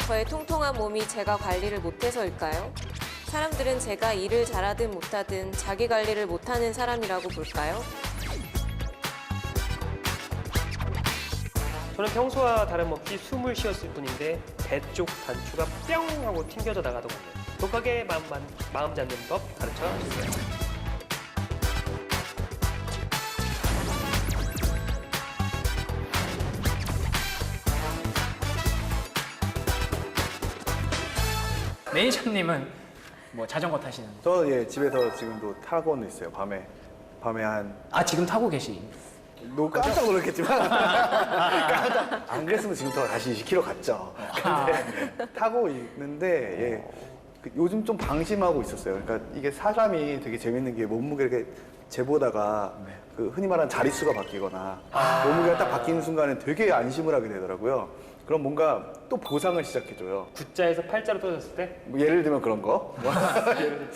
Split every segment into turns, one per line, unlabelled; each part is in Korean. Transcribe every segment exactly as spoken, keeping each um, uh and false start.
저의 통통한 몸이 제가 관리를 못해서일까요? 사람들은 제가 일을 잘하든 못하든 자기 관리를 못하는 사람이라고 볼까요?
저는 평소와 다름없이 숨을 쉬었을 뿐인데 배 쪽 단추가 뿅 하고 튕겨져 나가더군요. 독하게 마음, 마음 잡는 법 가르쳐 주세요.
매니저님은 뭐 자전거 타시는?
저 예, 집에서 지금도 타고는 있어요. 밤에 밤에 한
아 지금 타고 계시?
너 깜짝 놀랐겠지만 깜짝 안 그랬으면 지금부터 다시 이십 킬로미터 갔죠. 근데 타고 있는데 예, 그 요즘 좀 방심하고 있었어요. 그러니까 이게 사람이 되게 재밌는 게 몸무게를 재보다가 그 흔히 말하는 자릿수가 바뀌거나 몸무게가 딱 바뀌는 순간에 되게 안심을 하게 되더라고요. 그럼 뭔가 또 보상을 시작해줘요.
구자에서 팔자로 떨어졌을 때
뭐 예를 들면 그런 거. 뭐 예를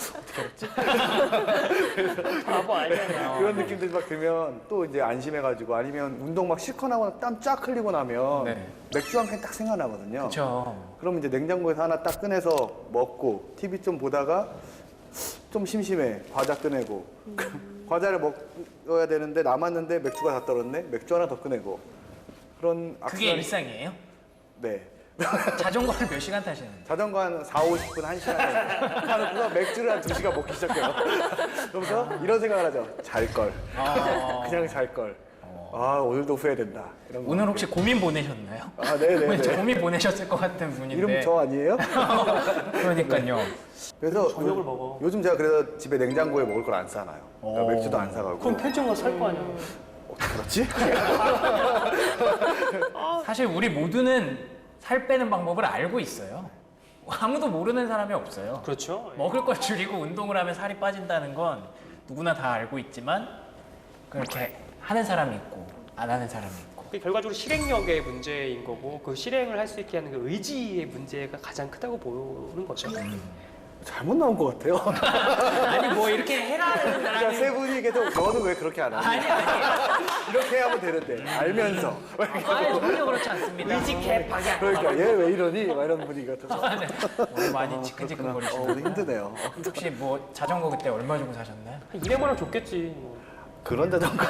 들면
바보 아니잖아.
그런 느낌들이 막 들면 또 이제 안심해가지고 아니면 운동 막 실컷 하고 땀 쫙 흘리고 나면
네.
맥주 한 캔 딱 생각나거든요.
그렇죠.
그럼 이제 냉장고에서 하나 딱 꺼내서 먹고 티비 좀 보다가 좀 심심해. 과자 꺼내고 과자를 먹어야 되는데 남았는데 맥주가 다 떨었네. 맥주 하나 더 꺼내고 그런
그게
악순환이-
일상이에요?
네.
자전거를 몇 시간 타시는데?
자전거 한 사오십 분, 한 시간 타놓고서 맥주를 한 두 시간 먹기 시작해요. 그러면서 이런 생각을 하죠. 잘걸.
아.
그냥 잘걸. 아, 오늘도 후회된다. 이런 거.
오늘 혹시 고민 보내셨나요?
아, 네네네.
왠지 고민 보내셨을 것 같은 분인데.
이름 저 아니에요?
그러니까요.
그래서
저녁을
요-
먹어.
요즘 제가 그래서 집에 냉장고에 먹을 걸 안 싸놔요. 그러니까
오.
맥주도 안 사가고.
그럼 편의점 가서 살 거 아니야.
어떻게 그렇지?
사실 우리 모두는 살 빼는 방법을 알고 있어요. 아무도 모르는 사람이 없어요.
그렇죠.
먹을 걸 줄이고 운동을 하면 살이 빠진다는 건 누구나 다 알고 있지만 그렇게 하는 사람이 있고 안 하는 사람이 있고.
그게 결과적으로 실행력의 문제인 거고 그 실행을 할 수 있게 하는 그 의지의 문제가 가장 크다고 보는 거죠.
잘못 나온 것 같아요.
아니 뭐 이렇게 해라는
그러니까
사람이
세 분이 계속 너는 왜 그렇게 안 하니?
아니 아니
이렇게 하면 되는데 알면서.
아니 전혀 그렇지 않습니다.
의지 개박이야.
그러니까 얘 왜 이러니? 막 이런 분위기 같아서.
아, 네. 오늘 많이
어,
지끈지끈거리시네요.
오늘 힘드네요.
혹시 뭐 자전거 그때 얼마 주고 사셨나요?
한 이백만 원 줬겠지. 뭐.
그런 자전거.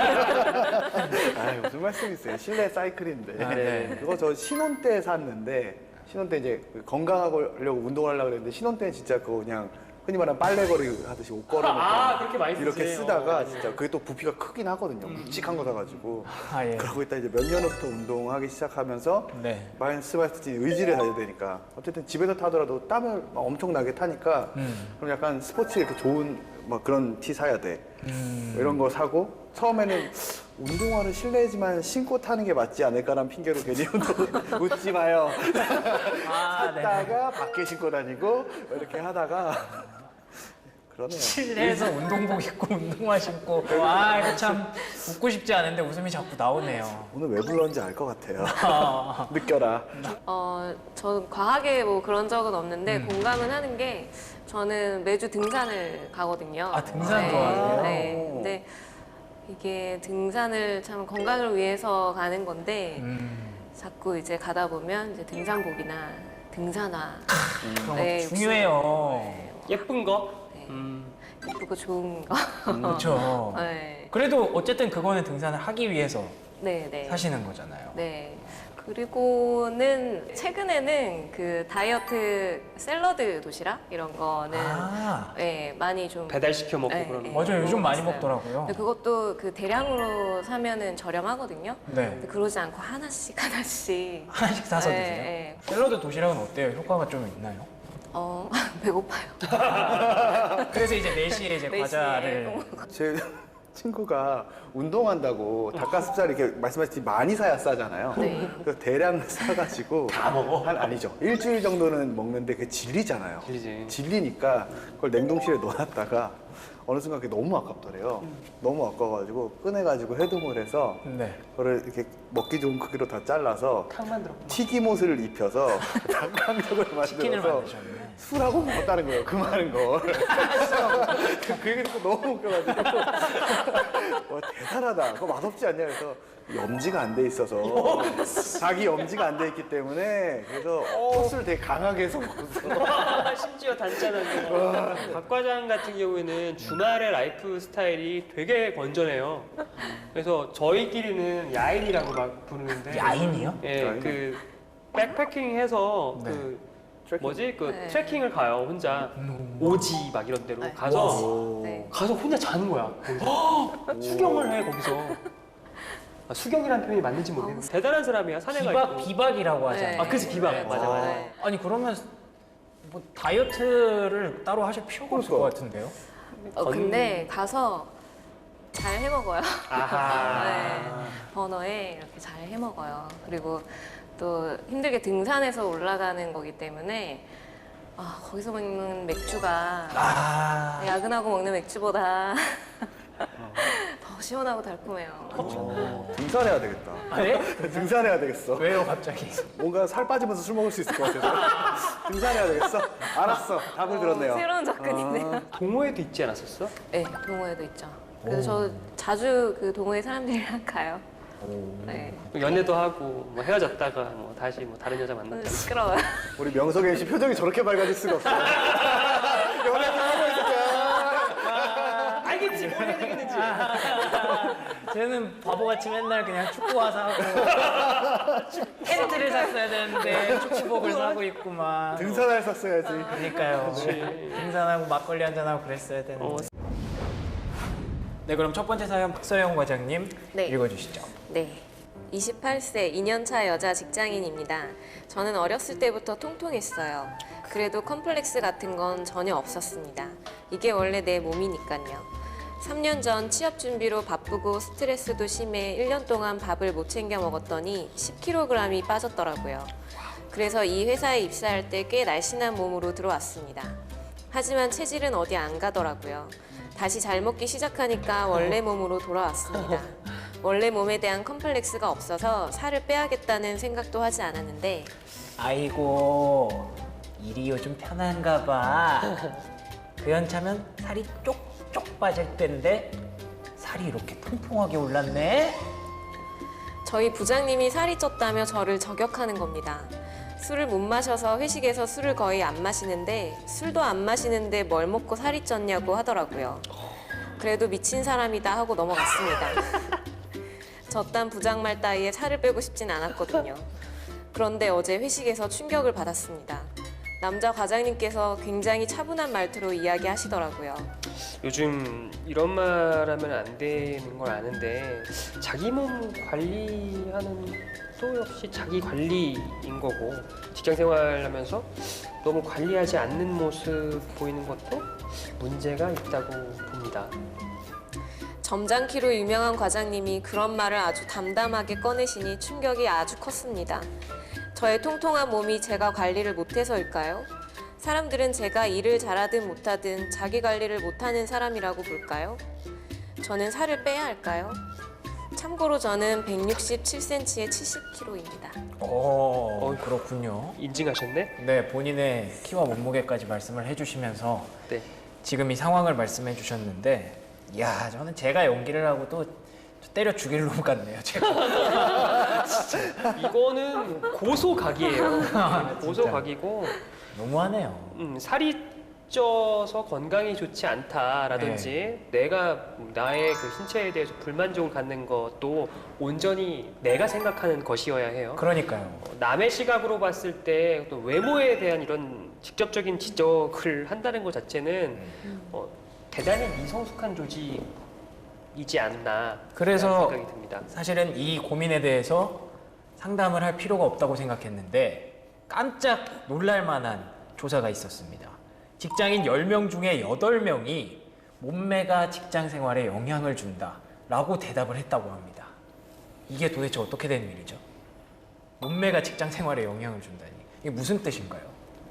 아 무슨 말씀이세요? 실내 사이클인데.
아, 네.
그거 저 신혼 때 샀는데 신혼 때 이제 건강하려고 운동을 하려고 그랬는데 신혼 때는 진짜 그거 그냥 흔히 말하는 빨래거리 하듯이 옷 걸어놓고
아, 그렇게 많이 쓰지.
이렇게 쓰다가
어,
진짜 그게 또 부피가 크긴 하거든요. 묵직한 거 사가지고.
아 예.
그러고 있다 이제 몇 년 후부터 운동하기 시작하면서
네.
말씀하셨듯이 의지를 가져야 되니까 어쨌든 집에서 타더라도 땀을 막 엄청나게 타니까
음.
그럼 약간 스포츠에 이렇게 좋은 막 그런 티 사야 돼.
음.
이런 거 사고 처음에는 운동화를 실내지만 신고 타는 게 맞지 않을까라는 핑계로 괜히 운동 웃지 마요.
아, 네.
샀다가 밖에 신고 다니고 이렇게 하다가 그러네요.
실내에서 운동복 입고 운동화 신고 와 이거 참 웃고 싶지 않은데 웃음이 자꾸 나오네요.
오늘 왜 불렀는지 알 것 같아요.
아,
느껴라.
어, 저는 과하게 뭐 그런 적은 없는데 공감은 하는 게 저는 매주 등산을 가거든요.
아, 등산
네,
좋아하세요?
네. 근데 이게 등산을 참 건강을 위해서 가는 건데
음,
자꾸 이제 가다 보면 이제 등산복이나 등산화
그런
네,
거 중요해요.
네,
예쁜 거?
네.
음.
예쁘고 좋은 거.
그렇죠.
네.
그래도 어쨌든 그거는 등산을 하기 위해서
네, 네.
사시는 거잖아요.
네. 그리고는 최근에는 그 다이어트 샐러드 도시락 이런 거는
아,
네, 많이 좀
배달시켜 먹고
네,
그러는
네.
거.
맞아요. 요즘 많이
먹었어요.
먹더라고요.
근데 그것도 그 대량으로 사면은 저렴하거든요.
네.
근데 그러지 않고 하나씩 하나씩.
하나씩 사서
네,
드세요.
네.
샐러드 도시락은 어때요? 효과가 좀 있나요?
어 배고파요.
그래서 이제 네 시에 이제
네 시에
과자를
제 친구가 운동한다고 닭가슴살 이렇게 말씀하셨듯이 많이 사야 싸잖아요.
네.
그래서 대량 사가지고 다 먹어? 한 아니죠. 일주일 정도는 먹는데 그게 질리잖아요.
질리지.
질리니까 그걸 냉동실에 넣어놨다가 어느 순간 그게 너무 아깝더래요. 너무 아까워가지고 꺼내가지고 해동을 해서
네.
그거를 이렇게 먹기 좋은 크기로 다 잘라서
탕 만들어.
튀김옷을 입혀서 닭강정을
치킨을
만들어서
만드셨네.
술하고 먹었다는 거예요. 그 많은 걸. 그 얘기 듣고 너무 웃겨가지고 와 대단하다. 그거 맛없지 않냐 그래서 염지가 안 돼 있어서 자기 염지가 안 돼 있기 때문에 그래서 소스를 되게 강하게 해서 먹었어.
심지어 단짠한데. 박 과장 같은 경우에는 주말의 라이프 스타일이 되게 건전해요. 그래서 저희끼리는 야인이라고 막 부르는데.
야인이요?
예,
야인?
그 백패킹해서
네.
그
트래킹.
뭐지 그
네.
트레킹을 가요 혼자.
음.
오지 막 이런 데로
네.
가서
오.
네.
가서 혼자 자는 거야. 거기서. 수경을 해 거기서. 아, 수경이라는 표현이 맞는지 모르겠는데 대단한 사람이야. 사내가
비박
있고.
비박이라고
네.
하잖아요.
아, 그치, 비박.
네,
맞아, 맞아.
네.
아니 그러면 뭐 다이어트를 따로 하실 필요가 없을 것 같은데요?
어, 근데 가서 잘 해먹어요.
아하.
네, 버너에 이렇게 잘 해먹어요. 그리고 또 힘들게 등산해서 올라가는 거기 때문에 아, 거기서 먹는 맥주가
아,
야근하고 먹는 맥주보다 더 시원하고 달콤해요.
어, 등산해야 되겠다.
네?
등산해야 되겠어.
왜요 갑자기?
뭔가 살 빠지면서 술 먹을 수 있을 것 같아서 등산해야 되겠어. 알았어. 답을 들었네요.
새로운 접근이네요.
동호회도 있지 않았었어?
네, 동호회도 있죠. 그래서 저 자주 그 동호회 사람들이랑 가요. 네.
연애도 하고 뭐 헤어졌다가 뭐 다시 뭐 다른 여자
오늘
만났다.
시끄러워요.
우리 명석 엠씨 표정이 저렇게 밝아질 수가 없어. 연애도 하고 있을까?
알겠지 뭘 해야 되겠는지.
쟤는 바보같이 맨날 그냥 축구화 사고 텐트를 샀어야 되는데 축구복을 사고 있구만.
등산할 샀어야지.
그러니까요. 등산하고 막걸리 한잔하고 그랬어야 되는데.
어.
네, 그럼 첫 번째 사연 박서영 과장님
네.
읽어주시죠.
네. 이십팔 세 이 년 차 여자 직장인입니다. 저는 어렸을 때부터 통통했어요. 그래도 컴플렉스 같은 건 전혀 없었습니다. 이게 원래 내 몸이니까요. 삼 년 전 취업 준비로 바쁘고 스트레스도 심해 일 년 동안 밥을 못 챙겨 먹었더니 십 킬로그램이 빠졌더라고요. 그래서 이 회사에 입사할 때 꽤 날씬한 몸으로 들어왔습니다. 하지만 체질은 어디 안 가더라고요. 다시 잘 먹기 시작하니까 원래 몸으로 돌아왔습니다. 원래 몸에 대한 컴플렉스가 없어서 살을 빼야겠다는 생각도 하지 않았는데
아이고 일이 요즘 편한가 봐. 그 연차면 살이 쪽쪽 빠질 텐데 살이 이렇게 통통하게 올랐네.
저희 부장님이 살이 쪘다며 저를 저격하는 겁니다. 술을 못 마셔서 회식에서 술을 거의 안 마시는데 술도 안 마시는데 뭘 먹고 살이 쪘냐고 하더라고요. 그래도 미친 사람이다 하고 넘어갔습니다. 저딴 부장말 따위에 살을 빼고 싶진 않았거든요. 그런데 어제 회식에서 충격을 받았습니다. 남자 과장님께서 굉장히 차분한 말투로 이야기하시더라고요.
요즘 이런 말 하면 안 되는 걸 아는데 자기 몸 관리하는 또 역시 자기 관리인 거고 직장 생활하면서 너무 관리하지 않는 모습 보이는 것도 문제가 있다고 봅니다.
점잖기로 유명한 과장님이 그런 말을 아주 담담하게 꺼내시니 충격이 아주 컸습니다. 저의 통통한 몸이 제가 관리를 못해서일까요? 사람들은 제가 일을 잘하든 못하든 자기 관리를 못하는 사람이라고 볼까요? 저는 살을 빼야 할까요? 참고로 저는 백육십칠 센티미터에 칠십 킬로그램입니다.
오, 그렇군요.
인증하셨네?
네, 본인의 키와 몸무게까지 말씀을 해주시면서
네.
지금 이 상황을 말씀해 주셨는데, 이야, 저는 제가 연기를 하고 또 때려 죽일 놈 같네요, 제가.
이거는 고소각이에요. 고소각이고
너무하네요.
음, 살이 쪄서 건강이 좋지 않다라든지 내가 나의 그 신체에 대해서 불만족을 갖는 것도 온전히 내가 생각하는 것이어야 해요.
그러니까요.
어, 남의 시각으로 봤을 때 또 외모에 대한 이런 직접적인 지적을 한다는 것 자체는 어, 대단히 미성숙한 조직이지 않나
그래서
생각이 듭니다.
사실은 이 고민에 대해서 상담을 할 필요가 없다고 생각했는데 깜짝 놀랄 만한 조사가 있었습니다. 직장인 열 명 중에 여덟 명이 몸매가 직장 생활에 영향을 준다라고 대답을 했다고 합니다. 이게 도대체 어떻게 된 일이죠? 몸매가 직장 생활에 영향을 준다니. 이게 무슨 뜻인가요?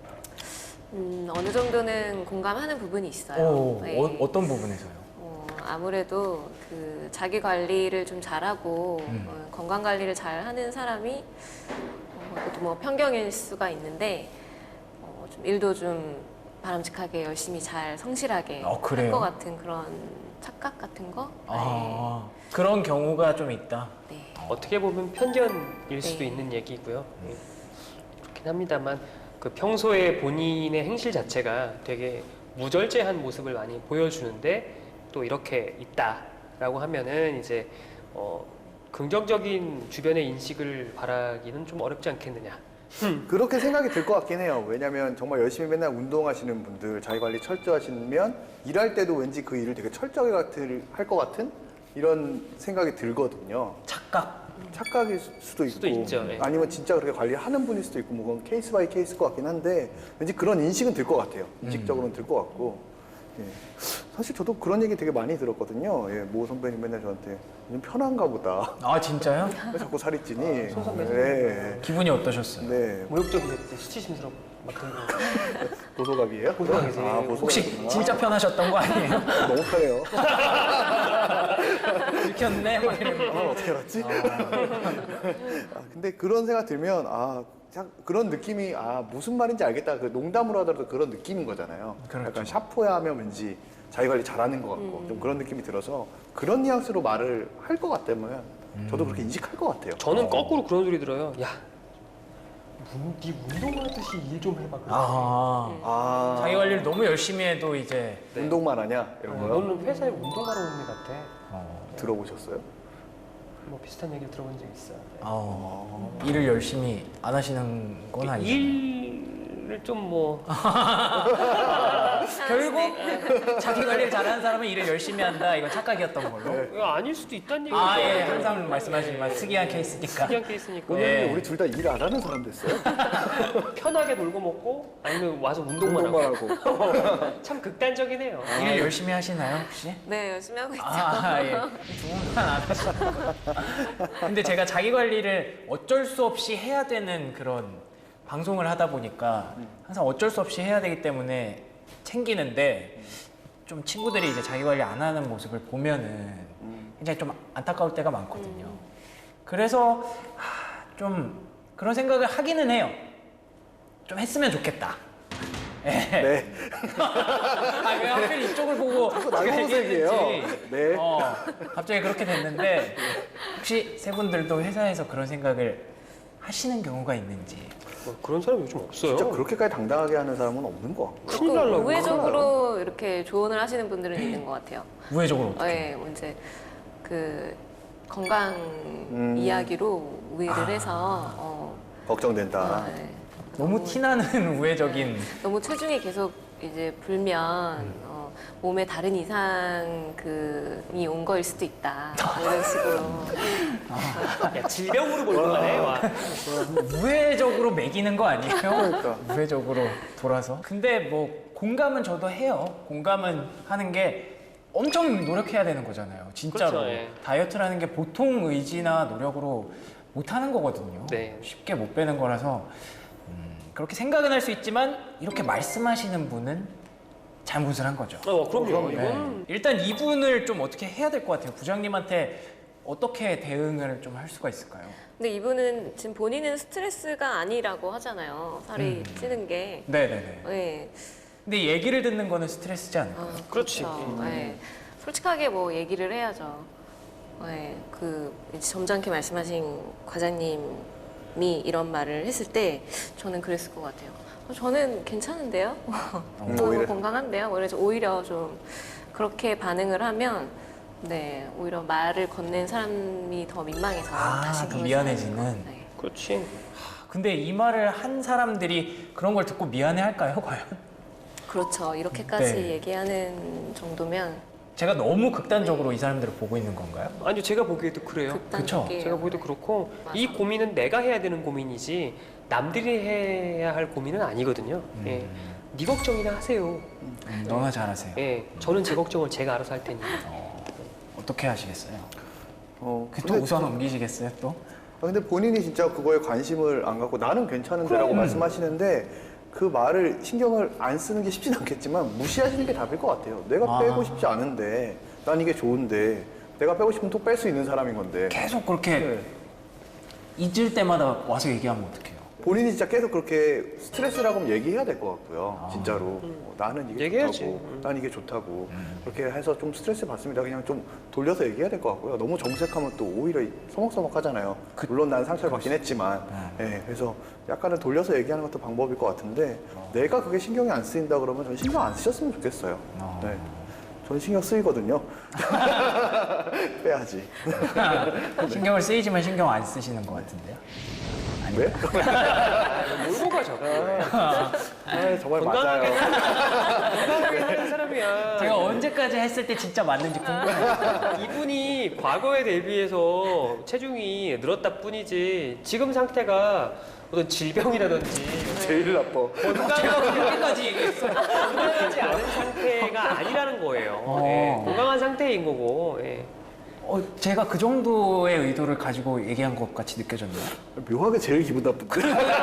음, 어느 정도는 공감하는 부분이 있어요.
오,
네.
어, 어떤 부분에서요?
어, 아무래도 그 자기 관리를 좀 잘하고
음.
어, 건강 관리를 잘하는 사람이 어, 그것도 뭐 편견일 수가 있는데 어, 좀 일도 좀 바람직하게 열심히 잘 성실하게
어,
할
그래요?
것 같은 그런 착각 같은 거.
아, 그런 경우가 좀 있다.
네. 네.
어떻게 보면 편견일 수도
네.
있는 얘기고요. 예. 그렇긴 합니다만 그 평소에 본인의 행실 자체가 되게 무절제한 모습을 많이 보여주는데 또 이렇게 있다라고 하면은 이제 어, 긍정적인 주변의 인식을 바라기는 좀 어렵지 않겠느냐.
그렇게 생각이 들 것 같긴 해요. 왜냐면 정말 열심히 맨날 운동하시는 분들, 자기 관리 철저하시면 일할 때도 왠지 그 일을 되게 철저하게 할 것 같은 이런 생각이 들거든요.
착각.
착각일 수도 있고
수도 있죠, 예.
아니면 진짜 그렇게 관리하는 분일 수도 있고 뭐 그건 케이스 바이 케이스일 것 같긴 한데 왠지 그런 인식은 들 것 같아요. 인식적으로는 들 것 같고 예. 사실 저도 그런 얘기 되게 많이 들었거든요. 예, 모 선배님 맨날 저한테 좀 편한가 보다.
아 진짜요?
왜 자꾸 살이 찌니?
손 선배.
네.
기분이 어떠셨어요?
네.
모욕적이겠지. 수치심스럽고 막 그런 거.
보소각이에요?
보소각이지.
아, 보소각이구나.
혹시 진짜 편하셨던 거 아니에요?
너무 편해요.
들켰네? 막 이런
아,
거.
어떻게 알았지? 아, 근데 그런 생각 들면 아 참 그런 느낌이 아 무슨 말인지 알겠다. 그 농담으로 하더라도 그런 느낌인 거잖아요.
그렇죠.
약간 샤프야 하면 왠지 자기 관리 잘하는 것 같고 좀 그런 느낌이 들어서 그런 뉘앙스로 말을 할 것 같다면 저도 그렇게 인식할 것 같아요.
저는 거꾸로 그런 소리 들어요. 야, 문, 네 운동하듯이 일 좀 해봐.
아,
아
자기 관리를 너무 열심히 해도 이제
네.
운동만 하냐 이런 거요?
너는 회사에 운동하러 오는 애 같아.
어,
들어보셨어요?
뭐 비슷한 얘기를 들어본 적 있어.
어, 일을 열심히 안 하시는 건 아니죠.
일을 좀 뭐
결국 자기 관리를 잘하는 사람은 일을 열심히 한다. 이건 착각이었던 걸로.
아닐 수도 있다는 얘기죠.
아, 예, 항상 말씀하시지만 특이한 케이스니까.
특이한 케이스니까
네.
오늘 우리 둘 다 일 안 하는 사람 됐어요?
편하게 놀고 먹고 아니면 와서 운동만,
운동만
하고.
하고.
참 극단적이네요.
일 열심히 하시나요, 혹시?
네, 열심히 하고 있죠.
아, 예. 두 분만 안 하시고. 근데 제가 자기 관리를 어쩔 수 없이 해야 되는 그런 방송을 하다 보니까 항상 어쩔 수 없이 해야 되기 때문에 챙기는데 좀 친구들이 이제 자기 관리 안 하는 모습을 보면은 굉장히 좀 안타까울 때가 많거든요. 그래서 하, 좀 그런 생각을 하기는 해요. 좀 했으면 좋겠다. 예.
네.
아, 왜 하필 이쪽을 보고
날고색이에요.
얘기했는지.
네.
어, 갑자기 그렇게 됐는데 혹시 세 분들도 회사에서 그런 생각을 하시는 경우가 있는지.
뭐 그런 사람 요즘 없어요.
진짜 그렇게까지 당당하게 하는 사람은 없는 것 같고.
큰일 날라고.
우회적으로 이렇게 조언을 하시는 분들은 있는 것 같아요.
우회적으로 어떻게?
네, 뭐 이제 그 건강
음.
이야기로 우회를
아.
해서 어,
걱정된다.
아, 네.
너무 티나는 우회적인.
너무 체중이 계속 이제 불면
음.
어, 몸에 다른 이상 그이 온 거일 수도 있다 이런 식으로.
야, 질병으로 몰고 가네. 와.
우회적으로 매기는 거 아니에요?
그러니까.
우회적으로 돌아서. 근데 뭐 공감은 저도 해요. 공감은 하는 게 엄청 노력해야 되는 거잖아요. 진짜로.
그렇죠, 예.
다이어트라는 게 보통 의지나 노력으로 못 하는 거거든요.
네.
쉽게 못 빼는 거라서 음, 그렇게 생각은 할 수 있지만 이렇게 말씀하시는 분은 잘못을 한 거죠.
어, 그럼요.
네.
이건
일단 이분을 좀 어떻게 해야 될 것 같아요. 부장님한테 어떻게 대응을 좀 할 수가 있을까요?
근데 이분은 지금 본인은 스트레스가 아니라고 하잖아요. 살이
음.
찌는 게.
네네네.
네.
근데 얘기를 듣는 거는 스트레스지 않을까요?
어,
그렇지.
그렇죠.
음.
네. 솔직하게 뭐 얘기를 해야죠. 네. 그 이제 점잖게 말씀하신 과장님이 이런 말을 했을 때 저는 그랬을 것 같아요. 어, 저는 괜찮은데요?
음,
저는
오히려.
건강한데요? 그래서 오히려 좀 그렇게 반응을 하면 네 오히려 말을 건넨 사람이 더 민망해서
아,
다시
더
그걸
미안해지는.
생각해요. 네.
그렇지.
근데 이 말을 한 사람들이 그런 걸 듣고 미안해 할까요, 과연?
그렇죠. 이렇게까지
네.
얘기하는 정도면
제가 너무 극단적으로 이 사람들을 보고 있는 건가요?
아니요, 제가 보기에도 그래요.
극단적이에요.
제가 보기에도 그렇고
맞아.
이 고민은 내가 해야 되는 고민이지 남들이 해야 할 고민은 아니거든요. 예. 네 걱정이나 하세요.
음, 너나 잘하세요.
예, 저는 제 걱정을 제가 알아서 할 테니.
어, 어떻게 하시겠어요?
어,
그 또
근데,
우선 옮기시겠어요, 또?
아, 근데 본인이 진짜 그거에 관심을 안 갖고 나는 괜찮은데라고 말씀하시는데 그 말을 신경을 안 쓰는 게 쉽진 않겠지만 무시하시는 게 답일 것 같아요. 내가
아.
빼고 싶지 않은데 난 이게 좋은데 내가 빼고 싶으면 또 뺄 수 있는 사람인 건데.
계속 그렇게
네.
잊을 때마다 와서 얘기하면 어떡해요?
본인이 진짜 계속 그렇게 스트레스라고 하면 얘기해야 될 것 같고요.
아.
진짜로 어, 나는 이게
얘기해야지.
좋다고,
음.
난 이게 좋다고 그렇게 해서 좀 스트레스 받습니다. 그냥 좀 돌려서 얘기해야 될 것 같고요. 너무 정색하면 또 오히려 서먹서먹하잖아요. 물론 난 상처를 받긴 했지만, 예, 그래서 약간은 돌려서 얘기하는 것도 방법일 것 같은데 내가 그게 신경이 안 쓰인다 그러면 저는 신경 안 쓰셨으면 좋겠어요.
어.
네. 저는 신경 쓰이거든요. 빼야지.
신경을 쓰이지만 신경 안 쓰시는 것 같은데요.
왜?
몰고 가 자꾸.
아, 정말
건강하게
맞아요.
건강하게 사는 사람이야.
제가 언제까지 했을 때 진짜 맞는지 궁금해요.
이분이 과거에 대비해서 체중이 늘었다 뿐이지 지금 상태가 어떤 질병이라든지
제일 나빠.
건강하지,
그렇게까지 얘기했어요.
건강하지 않은 상태가 아니라는 거예요.
어.
예, 건강한 상태인 거고. 예.
어, 제가 그 정도의 의도를 가지고 얘기한 것 같이 느껴졌나요?
묘하게 제일 기분 나쁜데.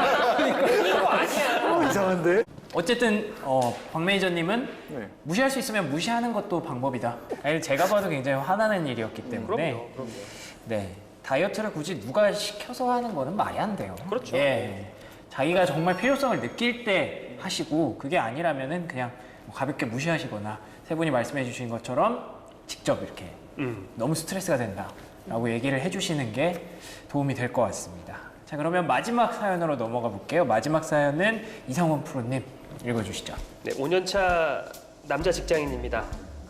이거 아니야.
어, 이상한데?
어쨌든 어, 박 매니저님은
네.
무시할 수 있으면 무시하는 것도 방법이다. 아니, 제가 봐도 굉장히 화나는 일이었기 때문에
그럼요, 그럼요.
네, 다이어트를 굳이 누가 시켜서 하는 거는 말이 안 돼요.
그렇죠.
예, 자기가 정말 필요성을 느낄 때 하시고 그게 아니라면은 그냥 뭐 가볍게 무시하시거나 세 분이 말씀해 주신 것처럼 직접 이렇게
음.
너무 스트레스가 된다라고 얘기를 해주시는 게 도움이 될 것 같습니다. 자, 그러면 마지막 사연으로 넘어가 볼게요. 마지막 사연은 이상원 프로님 읽어주시죠.
네, 오 년 차 남자 직장인입니다.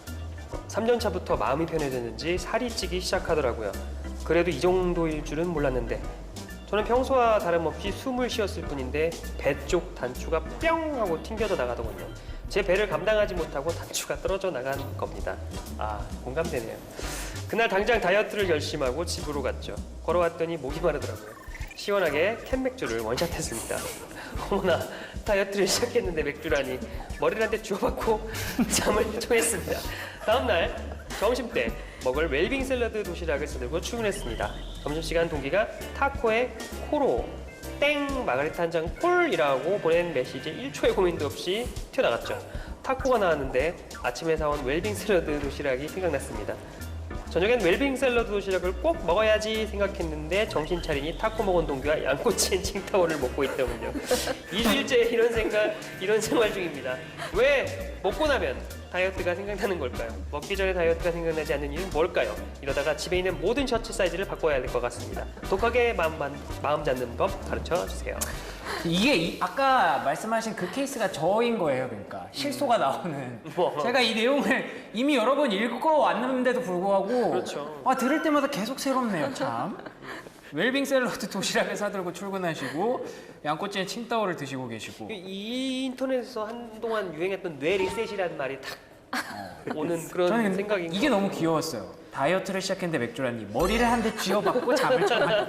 삼 년 차부터 마음이 편해졌는지 살이 찌기 시작하더라고요. 그래도 이 정도일 줄은 몰랐는데 저는 평소와 다름없이 숨을 쉬었을 뿐인데 배 쪽 단추가 뿅 하고 튕겨져 나가더군요. 제 배를 감당하지 못하고 단추가 떨어져 나간 겁니다. 아, 공감되네요. 그날 당장 다이어트를 결심하고 집으로 갔죠. 걸어왔더니 목이 마르더라고요. 시원하게 캔맥주를 원샷했습니다. 어머나, 다이어트를 시작했는데 맥주라니. 머리를 한 대 주워받고 잠을 청했습니다. 다음날 점심때 먹을 웰빙 샐러드 도시락을 싸들고 출근했습니다. 점심시간 동기가 타코에 코로 땡 마가리타 한 잔 콜이라고 보낸 메시지에 일 초의 고민도 없이 튀어나갔죠. 타코가 나왔는데 아침에 사온 웰빙 샐러드 도시락이 생각났습니다. 저녁엔 웰빙 샐러드 도시락을 꼭 먹어야지 생각했는데 정신 차리니 타코 먹은 동기와 양꼬치엔 칭타오를 먹고 있더군요. 일주일째 이런 생각, 이런 생활 중입니다. 왜 먹고 나면 다이어트가 생각나는 걸까요? 먹기 전에 다이어트가 생각나지 않는 이유는 뭘까요? 이러다가 집에 있는 모든 셔츠 사이즈를 바꿔야 할 것 같습니다. 독하게 마음, 마음 잡는 법 가르쳐 주세요.
이게 이- 아까 말씀하신 그 케이스가 저인 거예요. 그러니까 실소가 나오는.
뭐.
제가 이 내용을 이미 여러 번 읽어왔는데도 불구하고
그렇죠.
아, 들을 때마다 계속 새롭네요. 참. 웰빙 샐러드 도시락을 사들고 출근하시고 양꼬치에 칭따오를 드시고 계시고
이 인터넷에서 한동안 유행했던 뇌 리셋이라는 말이 딱 오는 그런
저는 근데
생각인
이게
것
너무 귀여웠어요. 다이어트를 시작했는데 맥주라니 머리를 한 대 쥐어박고 잠을 청하고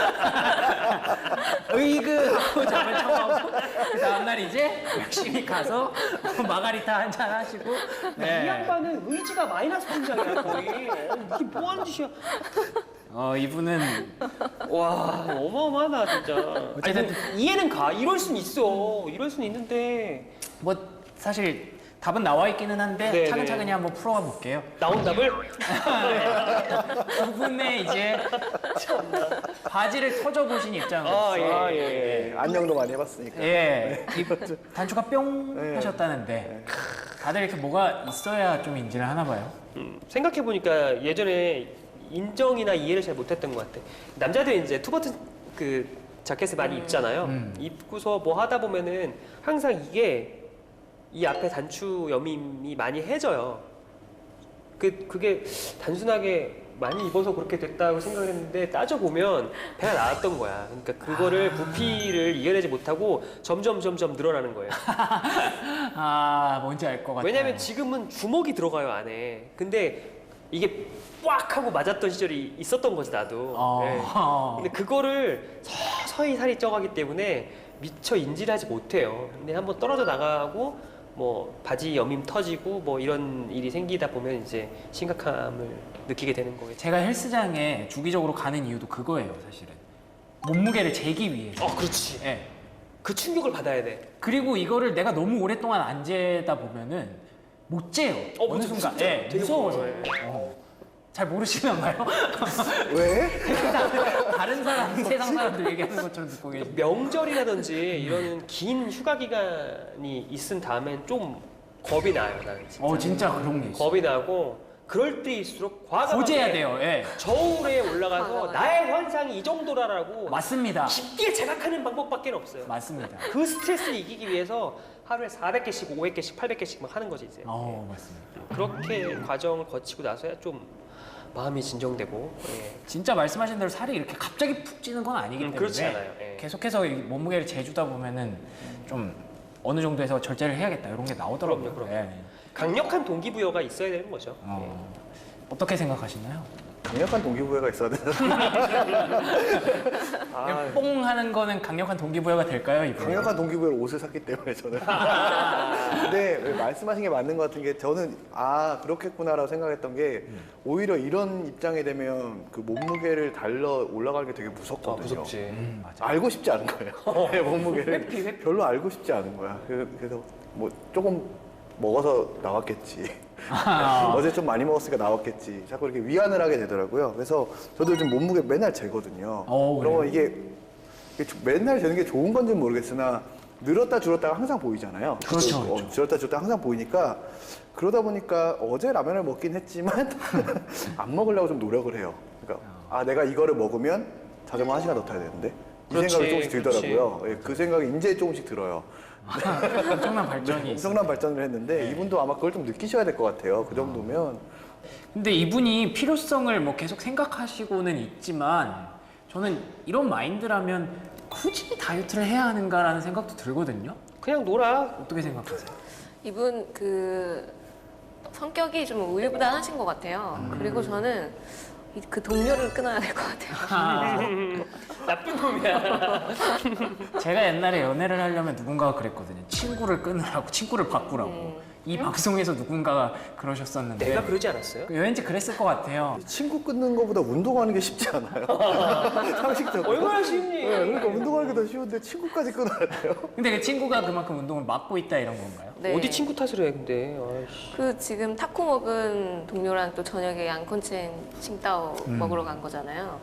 으이그 하고 잠을 청하고 그 다음날 이제 열심히 가서 마가리타 한 잔 하시고
이 양반은 의지가 마이너스 통장이야 거의. 어, 이게 뭐 하는 짓이야.
어, 이분은
와 어마어마하다 진짜.
어쨌든-
아니, 근데 이해는 가. 이럴 순 있어. 이럴 순 있는데
뭐 사실 답은 나와 있기는 한데
네,
차근차근히
네.
한번 풀어가 볼게요.
나온 답을
두 분의 이제 바지를 터져 보신 입장으로서
아, 예.
아, 예, 예. 안녕도 많이 해봤으니까.
예, 이 단추가 뿅
네.
하셨다는데 다들 이렇게 뭐가 있어야 좀 인지를 하나 봐요.
음, 생각해 보니까 예전에 인정이나 이해를 잘 못했던 것 같아. 남자들이 이제 투버튼 그 자켓을 많이 입잖아요.
음.
입고서 뭐 하다 보면은 항상 이게 이 앞에 단추 여밈이 많이 해져요. 그 그게 단순하게 많이 입어서 그렇게 됐다고 생각을 했는데 따져 보면 배가 나왔던 거야. 그러니까 그거를 부피를 이겨내지 못하고 점점 점점 늘어나는 거예요.
아, 뭔지 알 것 같아요.
왜냐면 지금은 주먹이 들어가요 안에. 근데 이게 꽉 하고 맞았던 시절이 있었던 거지 나도.
어.
네. 근데 그거를 서서히 살이 쪄가기 때문에 미처 인지를 하지 못해요. 근데 한번 떨어져 나가고 뭐 바지 여밈 터지고 뭐 이런 일이 생기다 보면 이제 심각함을 느끼게 되는 거겠죠.
제가 헬스장에 주기적으로 가는 이유도 그거예요, 사실은. 몸무게를 재기 위해서.
어, 그렇지.
예.
그 충격을 받아야 돼.
그리고 이거를 내가 너무 오랫동안 안 재다 보면은 못 재요.
어,
어느
맞아,
순간.
진짜.
예,
되게
무서워서.
무서워요.
어. 잘 모르시나 봐요.
왜?
다른 사람, 세상 사람들 얘기하는 것처럼 듣고 계시.
명절이라든지 이런 긴 휴가 기간이 있은 다음엔 좀 겁이 나요, 나는 진짜.
어 진짜 그런 게 있어.
겁이 나고 그럴 때일수록 과감하게
고제해야 돼요. 예.
저울에 올라가서
과감하게.
나의 현상이 이 정도라라고
맞습니다.
깊게 자각하는 방법밖에 없어요.
맞습니다.
그 스트레스를 이기기 위해서 하루에 사백 개씩, 오백 개씩, 팔백 개씩 막 하는 거지 이제.
어 맞습니다.
그렇게 과정을 거치고 나서야 좀 마음이 진정되고. 예.
진짜 말씀하신 대로 살이 이렇게 갑자기 푹 찌는 건 아니기
음,
때문에
그렇지 않아요. 예.
계속해서 이 몸무게를 재주다 보면은 좀 어느 정도에서 절제를 해야겠다 이런 게 나오더라고요.
그럼요, 그럼요.
예.
강력한 동기부여가 있어야 되는 거죠.
어, 어떻게 생각하시나요?
강력한 동기부여가 있어야 되는. 아,
그냥 뽕 하는 거는 강력한 동기부여가 될까요? 이분?
강력한 동기부여로 옷을 샀기 때문에 저는. 근데 왜 말씀하신 게 맞는 것 같은 게 저는 아 그렇겠구나라고 생각했던 게 오히려 이런 입장이 되면 그 몸무게를 달러 올라가는 게 되게 무섭거든요.
음, 맞아.
알고 싶지 않은 거예요. 내 몸무게를
회피, 회피.
별로 알고 싶지 않은 거야. 그- 그래서 뭐 조금 먹어서 나왔겠지. 어제 좀 많이 먹었으니까 나왔겠지. 자꾸 이렇게 위안을 하게 되더라고요. 그래서 저도 요즘 몸무게 맨날 재거든요.
어,
그러면
그래요?
이게, 이게 조- 맨날 재는 게 좋은 건지는 모르겠으나 늘었다 줄었다가 항상 보이잖아요.
그렇죠,
어,
그렇죠.
줄었다 줄었다 항상 보이니까 그러다 보니까 어제 라면을 먹긴 했지만 안 먹으려고 좀 노력을 해요. 그러니까 아 내가 이거를 먹으면 자전거 한 시간 더 타야 되는데 이
그렇지,
생각이 조금씩
그렇지.
들더라고요. 예, 그 생각이 이제 조금씩 들어요.
엄청난 발전이 있어요.
엄청난 발전을 했는데 이분도 아마 그걸 좀 느끼셔야 될 것 같아요. 그 정도면
근데 이분이 필요성을 뭐 계속 생각하시고는 있지만 저는 이런 마인드라면 굳이 다이어트를 해야 하는가라는 생각도 들거든요.
그냥 놀아.
어떻게 생각하세요?
이분 그 성격이 좀 우유부단하신 것 같아요. 그리고 저는 이- 그 동료를 끊어야 될 것 같아요.
아,
나쁜 놈이야.
제가 옛날에 연애를 하려면 누군가가 그랬거든요. 친구를 끊으라고, 친구를 바꾸라고.
음.
이 방송에서 누군가가 그러셨었는데
내가 그러지 않았어요?
왠지 그랬을 것 같아요.
친구 끊는 것보다 운동하는 게 쉽지 않아요. 상식적으로.
얼마나 쉽니?
네, 그러니까 운동하는 게 더 쉬운데 친구까지 끊어야 돼요.
근데 그 친구가 그만큼 운동을 막고 있다 이런 건가요?
네.
어디 친구 탓을 해 근데. 아이씨.
그 지금 타코 먹은 동료랑 또 저녁에 양콘첸 칭따오
음.
먹으러 간 거잖아요.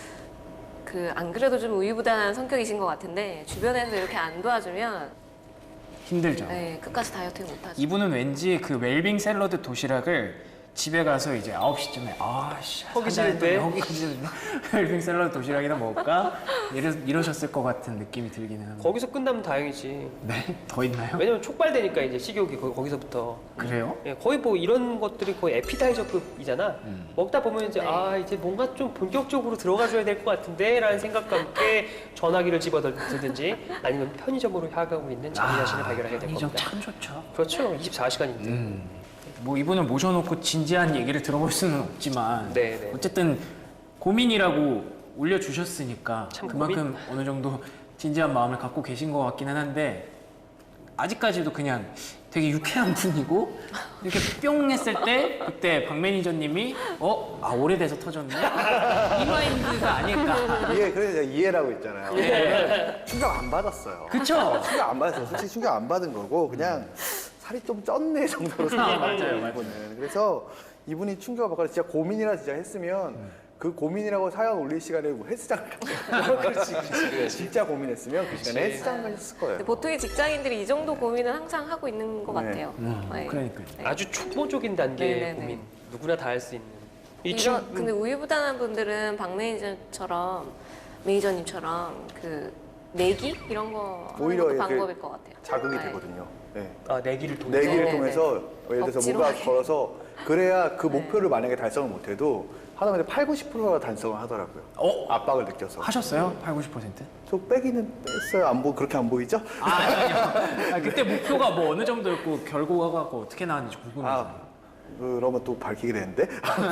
그 안 그래도 좀 우유부단한 성격이신 것 같은데 주변에서 이렇게 안 도와주면
힘들죠.
네, 끝까지 다이어트를 못하죠.
이분은 왠지 그 웰빙 샐러드 도시락을 집에 가서 이제 아홉 시쯤에 아씨
허기 지는데?
허기 지는데 웰빙 샐러드 도시락이나 먹을까? 이러, 이러셨을 것 같은 느낌이 들기는 합니다.
거기서 끝나면 다행이지.
네? 더 있나요?
왜냐면 촉발되니까 이제 식욕이 거, 거기서부터.
그래요?
예, 거의 뭐 이런 것들이 거의 에피타이저급이잖아.
음.
먹다 보면 이제
네.
아 이제 뭔가 좀 본격적으로 들어가줘야 될 것 같은데라는 생각과 함께 전화기를 집어들든지 아니면 편의점으로 향하고 있는 자기 자신을 발견하게 될
편의점
겁니다.
참 좋죠.
그렇죠. 이십사 시간인데.
음. 뭐 이분을 모셔놓고 진지한 얘기를 들어볼 수는 없지만
네, 네.
어쨌든 고민이라고 올려주셨으니까
참
그만큼 어느 정도 진지한 마음을 갖고 계신 것 같기는 한데 아직까지도 그냥 되게 유쾌한 분이고 이렇게 뿅 했을 때 그때 박 매니저님이 어? 아 오래돼서 터졌네? 이 마인드가 아닐까.
이해, 그래서 제가 이해라고 있잖아요.
예.
충격 안 받았어요.
그쵸?
충격 안 받았어요. 솔직히 충격 안 받은 거고 그냥 살이 좀 쪘네 정도로 생각하는
맞아요,
거예요.
맞아요.
이분은. 그래서 이분이 충격을 받고 진짜 고민이라 진짜 했으면 그 고민이라고 사연 올릴 시간에 뭐 헬스장 가셨어요. 그렇지, 그렇지. 진짜 고민했으면 그 시간에 헬스장 가셨을 거예요.
근데 보통의 직장인들이 이 정도 고민은 항상 하고 있는 것
네.
같아요.
음,
네.
그러니까요.
네.
아주 초보적인 단계의
네, 네, 네.
고민. 누구나 다 할 수 있는. 이
이런
친구
근데 우유부단한 분들은 박 매니저처럼 매니저님처럼 그 내기 이런 거 하는
오히려
것도
이렇게
방법일 것 같아요.
자극이
네.
되거든요. 네.
아 내기를 통해.
내기를
네, 네,
통해서 예를 들어서
억지로
뭐가
하게.
걸어서 그래야 그 목표를 만약에 달성을 못해도 하다못해 팔, 구십 퍼센트가 달성을 하더라고요.
어?
압박을 느껴서.
하셨어요? 팔, 구십 퍼센트?
저 빼기는 뺐어요. 안 보, 그렇게 안 보이죠?
아, 아니요. 아, 그때 목표가 뭐 어느 정도였고 결과가 어떻게 나왔는지 궁금해서.
아, 그러면 또 밝히게 되는데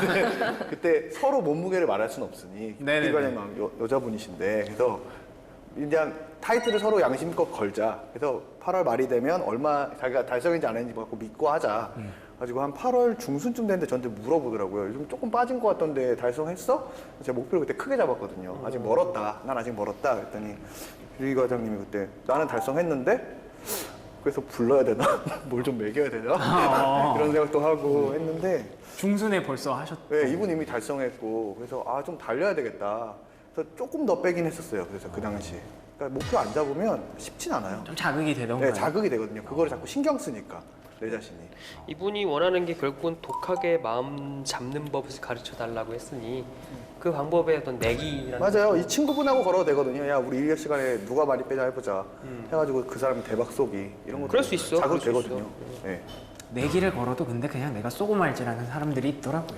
그때 서로 몸무게를 말할 수는 없으니
네네네.
비관형 여, 여자분이신데 그래서 그냥 타이틀을 서로 양심껏 걸자. 그래서 팔월 말이 되면 얼마 자기가 달성인지 안 했는지 갖고 믿고 하자. 가지고 한 팔월 중순쯤 됐는데 저한테 물어보더라고요. 요즘 조금 빠진 것 같던데 달성했어? 제가 목표를 그때 크게 잡았거든요. 아직 멀었다. 난 아직 멀었다. 그랬더니 유리 과장님이 그때 나는 달성했는데 그래서 불러야 되나? 뭘 좀 먹여야 되나?
어.
이런 생각도 하고 했는데
중순에 벌써 하셨.
네, 이분 이미 달성했고 그래서 아 좀 달려야 되겠다. 그래서 조금 더 빼긴 했었어요. 그래서 그 당시. 그러니까 목표 안 잡으면 쉽진 않아요.
좀 자극이 되던가요?
네, 자극이 되거든요. 그거를 자꾸 신경 쓰니까 내 자신이.
이분이 원하는 게 결국은 독하게 마음 잡는 법을 가르쳐 달라고 했으니 그 방법의 어떤 내기라는
맞아요. 이 친구분하고 걸어도 되거든요. 야, 우리 일 년 시간에 누가 많이 빼자 해보자.
음.
해가지고 그 사람이 대박 쏘기 이런 것도
그럴 수 있어.
자극
그럴 수
되거든요. 네.
내기를 걸어도 근데 그냥 내가 쏘고 말지라는 사람들이 있더라고요.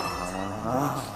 아,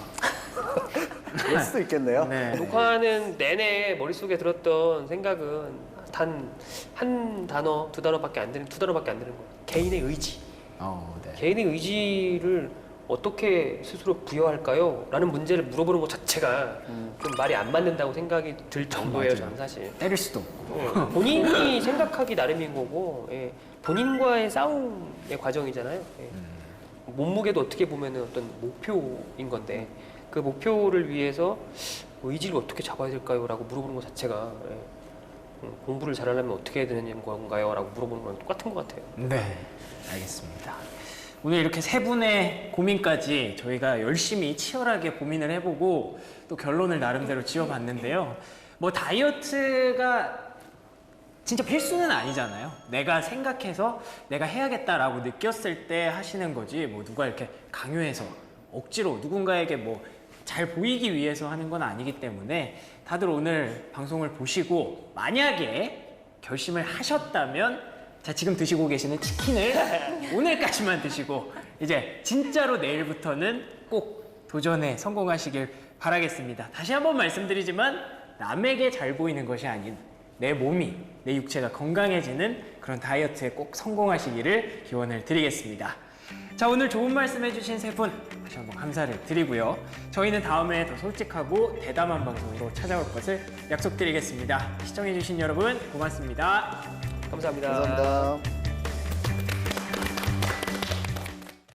그럴 수도 있겠네요.
네.
녹화하는 내내 머릿속에 들었던 생각은 단 한 단어, 두 단어밖에 안 되는 두 단어밖에 안 되는 거예요. 개인의 의지.
어, 네.
개인의 의지를 어떻게 스스로 부여할까요? 라는 문제를 물어보는 것 자체가 좀 말이 안 맞는다고 생각이 들 정도예요,
맞아요.
저는 사실.
때릴 수도 없고.
예, 본인이 생각하기 나름인 거고, 예, 본인과의 싸움의 과정이잖아요. 예. 몸무게도 어떻게 보면 어떤 목표인 건데, 그 목표를 위해서 의지를 어떻게 잡아야 될까요? 라고 물어보는 것 자체가, 예, 음, 공부를 잘하려면 어떻게 해야 되는 건가요? 라고 물어보는 거랑 똑같은 것 같아요.
네, 알겠습니다. 오늘 이렇게 세 분의 고민까지 저희가 열심히 치열하게 고민을 해보고 또 결론을 나름대로 지어봤는데요. 뭐 다이어트가 진짜 필수는 아니잖아요. 내가 생각해서 내가 해야겠다라고 느꼈을 때 하시는 거지 뭐 누가 이렇게 강요해서 억지로 누군가에게 뭐 잘 보이기 위해서 하는 건 아니기 때문에 다들 오늘 방송을 보시고 만약에 결심을 하셨다면 자, 지금 드시고 계시는 치킨을 오늘까지만 드시고 이제 진짜로 내일부터는 꼭 도전에 성공하시길 바라겠습니다. 다시 한번 말씀드리지만 남에게 잘 보이는 것이 아닌 내 몸이, 내 육체가 건강해지는 그런 다이어트에 꼭 성공하시기를 기원을 드리겠습니다. 자, 오늘 좋은 말씀 해주신 세 분 다시 한번 감사를 드리고요. 저희는 다음에 더 솔직하고 대담한 방송으로 찾아올 것을 약속드리겠습니다. 시청해주신 여러분 고맙습니다.
감사합니다.
감사합니다.